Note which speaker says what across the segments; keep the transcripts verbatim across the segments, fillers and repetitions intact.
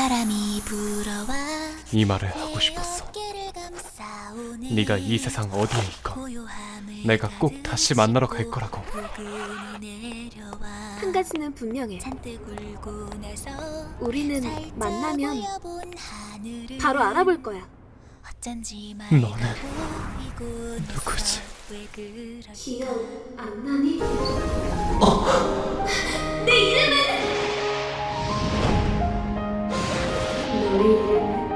Speaker 1: 바람이 불어와
Speaker 2: 이 말을 하고 싶었어. 네가 이 세상 어디에 있건 내가 꼭 다시 만나러 갈 거라고.
Speaker 3: 한 가지는 분명해. 우리는 만나면 바로 알아볼 거야.
Speaker 2: 너는 누구지?
Speaker 3: 기억 안 나니? 어! 내 이름은! 너의 이름은?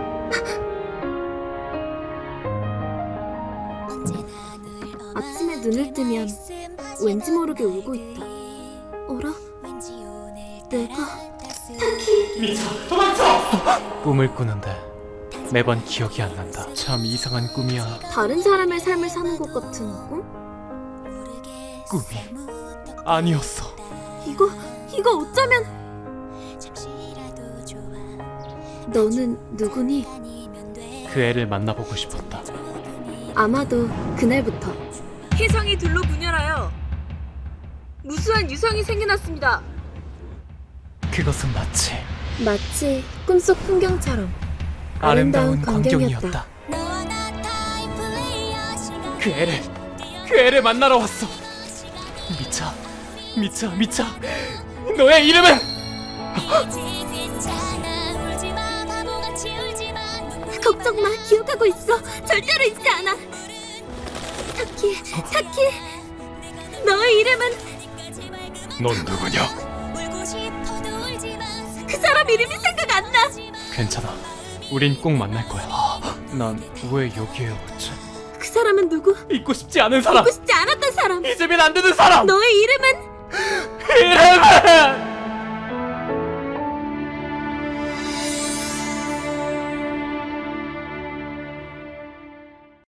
Speaker 3: 아침에 눈을 뜨면 왠지 모르게 울고 있다. 어라? 내가...
Speaker 2: 미쳐! 도망쳐! 꿈을 꾸는데 매번 기억이 안 난다. 참 이상한 꿈이야.
Speaker 3: 다른 사람의 삶을 사는 것 같은 꿈?
Speaker 2: 꿈이 아니었어.
Speaker 3: 이거... 이거 어쩌면... 너는 누구니?
Speaker 2: 그 애를 만나보고 싶었다.
Speaker 3: 아마도 그날부터
Speaker 4: 혜성이 둘로 분열하여 무수한 유성이 생겨났습니다.
Speaker 2: 그것은 마치
Speaker 3: 마치 꿈속 풍경처럼
Speaker 2: 아름다운
Speaker 3: 광경이었다.
Speaker 2: 광경이었다. 그 애를 그 애를 만나러 왔어. 미차 미차 미차 너의 이름은?
Speaker 3: 걱정 마, 기억하고 있어. 절대로 잊지 않아. 타키, 타키. 너의 이름은?
Speaker 2: 넌 누구냐?
Speaker 3: 그 사람 이름이 생각 안 나.
Speaker 2: 괜찮아. 우린 꼭 만날 거야. 난 왜 여기에 왔지?
Speaker 3: 그 사람은 누구?
Speaker 2: 잊고 싶지 않은 사람.
Speaker 3: 잊고 싶지 않았던 사람.
Speaker 2: 잊으면 안 되는 사람.
Speaker 3: 너의 이름은?
Speaker 2: 이름은